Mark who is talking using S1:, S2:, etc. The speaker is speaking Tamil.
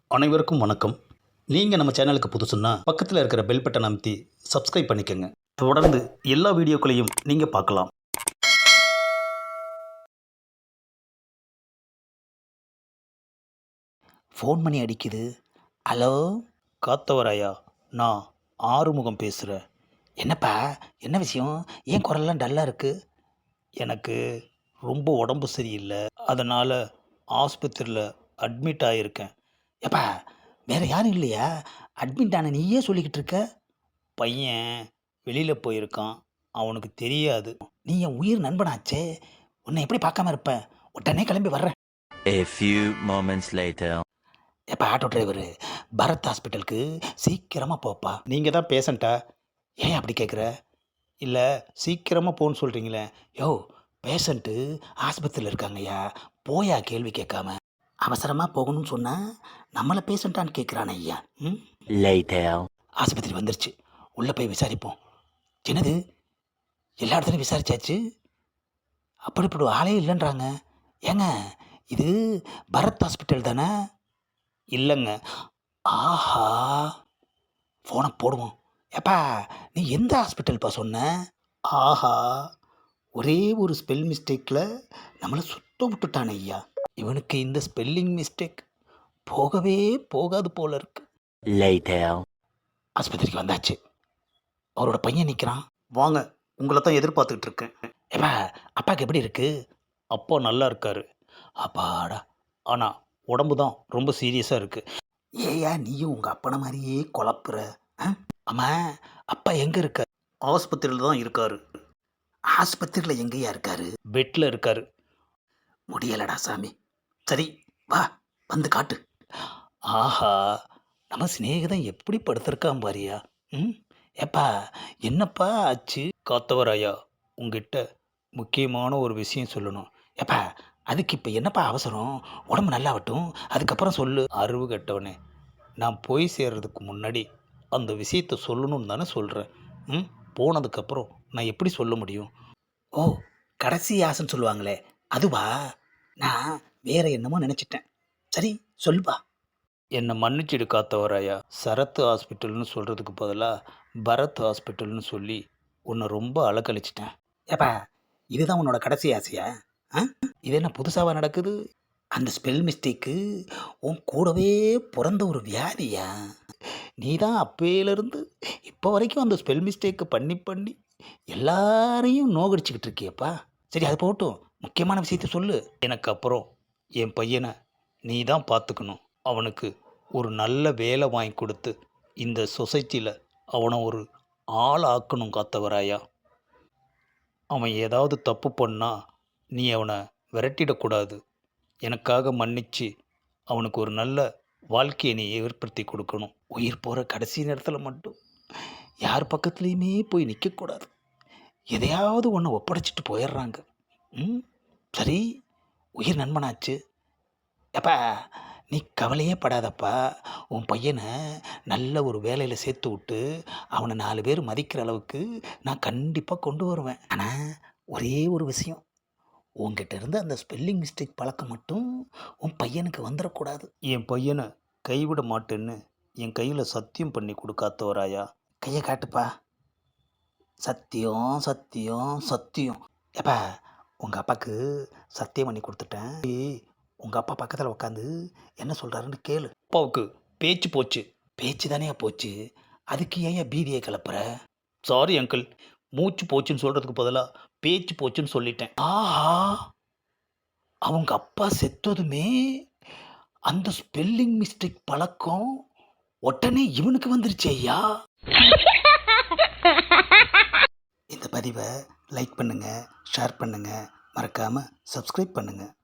S1: அனைவருக்கும் வணக்கம். நீங்கள் நம்ம சேனலுக்கு புதுசுன்னா பக்கத்தில் இருக்கிற பெல் பட்டனை அமைத்தி சப்ஸ்கிரைப் பண்ணிக்கோங்க. தொடர்ந்து எல்லா வீடியோக்களையும் நீங்கள் பார்க்கலாம். ஃபோன் பண்ணி அடிக்குது. ஹலோ, காத்தவராயா? நான் ஆறுமுகம் பேசுகிறேன். என்னப்பா, என்ன விஷயம்? ஏன் குரல்லாம் டல்லாக இருக்குது? எனக்கு ரொம்ப உடம்பு சரியில்லை, அதனால் ஆஸ்பத்திரியில் அட்மிட் ஆகியிருக்கேன். எப்பா, வேற யாரும் இல்லையா? அட்மிட் ஆன நீயே சொல்லிக்கிட்டு இருக்க. பையன் வெளியில் போயிருக்கான், அவனுக்கு தெரியாது. நீ என் உயிர் நண்பனாச்சே, உன்னை எப்படி பார்க்காம இருப்பேன்? உடனே கிளம்பி வர்றேன்.
S2: A few moments later.
S1: எப்போ ஆட்டோ டிரைவரு, பரத் ஹாஸ்பிட்டலுக்கு சீக்கிரமாக போப்பா. நீங்கள் தான் பேஷண்ட்டா? ஏன் அப்படி கேட்குற? இல்லை, சீக்கிரமாக போன்னு சொல்கிறீங்களே. யோ, பேஷண்ட்டு ஆஸ்பத்திரியில் இருக்காங்கய்யா, போயா கேள்வி கேட்காம. அவசரமாக போகணும்னு சொன்னால் நம்மளை பேஷண்ட்டான்னு கேட்குறானே ஐயா. ம்,
S2: Later.
S1: ஆஸ்பத்திரி வந்துருச்சு, உள்ளே போய் விசாரிப்போம். என்னது, எல்லா இடத்துலையும் விசாரிச்சாச்சு, அப்படி இப்படி ஆளே இல்லைன்றாங்க. ஏங்க, இது பரத் ஹாஸ்பிட்டல் தானே? இல்லைங்க. ஆஹா, ஃபோனை போடுவோம். ஏப்பா, நீ எந்த ஹாஸ்பிட்டல்ப்பா சொன்ன? ஆஹா, ஒரே ஒரு ஸ்பெல் மிஸ்டேக்கில் நம்மளை சுத்த விட்டுட்டானே ஐயா. இவனுக்கு இந்த ஸ்பெல்லிங் மிஸ்டேக் போகவே போகாது போல இருக்கு.
S2: Later.
S1: ஆஸ்பத்திரிக்கு வந்தாச்சு, அவரோட பையன் நிற்கிறான். வாங்க, உங்களை தான் எதிர்பார்த்துக்கிட்டு இருக்கேன். ஏப்பா, அப்பாவுக்கு எப்படி இருக்கு? அப்பா நல்லா இருக்காரு. அப்பாடா, ஆனால் உடம்பு தான் ரொம்ப சீரியஸாக இருக்கு. ஏயா நீயும் உங்கள் அப்பனை மாதிரியே குழப்புற? ஆமா, அப்பா எங்கே இருக்கார்? ஆஸ்பத்திரியில் தான் இருக்காரு. ஆஸ்பத்திரியில் எங்கேயா இருக்காரு? பெட்டில் இருக்காரு. முடியலடா சாமி. சரி, வா, வந்து காட்டு. ஆஹா, நம்ம சிநேகிதன் எப்படி படுத்திருக்கான் பாரியா. ம், ஏப்பா, என்னப்பா ஆச்சு? காத்தவராயா, உங்ககிட்ட முக்கியமான ஒரு விஷயம் சொல்லணும். ஏப்பா, அதுக்கு இப்போ என்னப்பா அவசரம்? உடம்பு நல்லாவட்டும், அதுக்கப்புறம் சொல்லு. அறிவு கெட்டவனே, நான் போய் சேர்றதுக்கு முன்னாடி அந்த விஷயத்தை சொல்லணும்னு தானே சொல்கிறேன். ம், போனதுக்கப்புறம் நான் எப்படி சொல்ல முடியும்? ஓ, கடைசி ஆசைன்னு சொல்லுவாங்களே, அதுவா? நான் வேற என்னமோ நினச்சிட்டேன். சரி, சொல்லுப்பா. என்னை மன்னிச்சிடு காத்தவராயா, சரத் ஹாஸ்பிட்டல்னு சொல்கிறதுக்கு பதிலாக பரத் ஹாஸ்பிட்டல்னு சொல்லி உன்னை ரொம்ப அலக்கழிச்சிட்டேன். ஏப்பா, இதுதான் உன்னோட கடைசி ஆசையா? ஆ, இது என்ன புதுசாக நடக்குது? அந்த ஸ்பெல் மிஸ்டேக்கு உன் கூடவே பிறந்த ஒரு வியாதியா? நீ தான் அப்பையிலேருந்து இப்போ வரைக்கும் அந்த ஸ்பெல் மிஸ்டேக்கு பண்ணி பண்ணி எல்லாரையும் நோகடிச்சுக்கிட்டு இருக்கியப்பா. சரி, அது போகட்டும், முக்கியமான விஷயத்த சொல்லு. எனக்கு அப்புறம் என் பையனை நீ தான் பார்த்துக்கணும். அவனுக்கு ஒரு நல்ல வேலை வாங்கி கொடுத்து இந்த சொசைட்டியில் அவனை ஒரு ஆள் ஆக்கணும் காத்தவராயா. அவன் ஏதாவது தப்பு பண்ணா நீ அவனை விரட்டிடக்கூடாது. எனக்காக மன்னிச்சு அவனுக்கு ஒரு நல்ல வாழ்க்கையை நீ ஏற்படுத்தி கொடுக்கணும். உயிர் போகிற கடைசி நேரத்தில் மட்டும் யார் பக்கத்துலேயுமே போய் நிற்கக்கூடாது. எதையாவது ஒன்று ஒப்படைச்சிட்டு போயிடுறாங்க. ம், சரி, உயிர் நண்பனாச்சு. எப்பா, நீ கவலையே படாதப்பா. உன் பையனை நல்ல ஒரு வேலையில் சேர்த்து விட்டு அவனை 4 பேர் மதிக்கிற அளவுக்கு நான் கண்டிப்பாக கொண்டு வருவேன். ஆனால் ஒரே ஒரு விஷயம், உங்ககிட்ட இருந்து அந்த ஸ்பெல்லிங் மிஸ்டேக் பழக்கம் மட்டும் உன் பையனுக்கு வந்துடக்கூடாது. என் பையனை கைவிட மாட்டேன்னு என் கையில் சத்தியம் பண்ணி கொடுக்காத்தவராயா. கையை காட்டுப்பா. சத்தியம், சத்தியம், சத்தியம். ஏப்பா, உங்கள் அப்பாவுக்கு சத்தியம் பண்ணி கொடுத்துட்டேன். உங்கள் அப்பா பக்கத்தில் உட்காந்து என்ன சொல்கிறாருன்னு கேளு. அப்பாவுக்கு பேச்சு போச்சு. பேச்சு தானே போச்சு, அதுக்கு ஏன் பீதியை கிளப்புற? சாரி அங்கிள், மூச்சு போச்சுன்னு சொல்கிறதுக்கு பதிலாக பேச்சு போச்சுன்னு சொல்லிட்டேன். ஆஹா, அவங்க அப்பா செத்ததுமே அந்த ஸ்பெல்லிங் மிஸ்டேக் பழக்கம் உடனே இவனுக்கு வந்துருச்சு ஐயா. இந்த பதிவை லைக் பண்ணுங்கள், ஷேர் பண்ணுங்கள், மறக்காமல் சப்ஸ்கிரைப் பண்ணுங்கள்.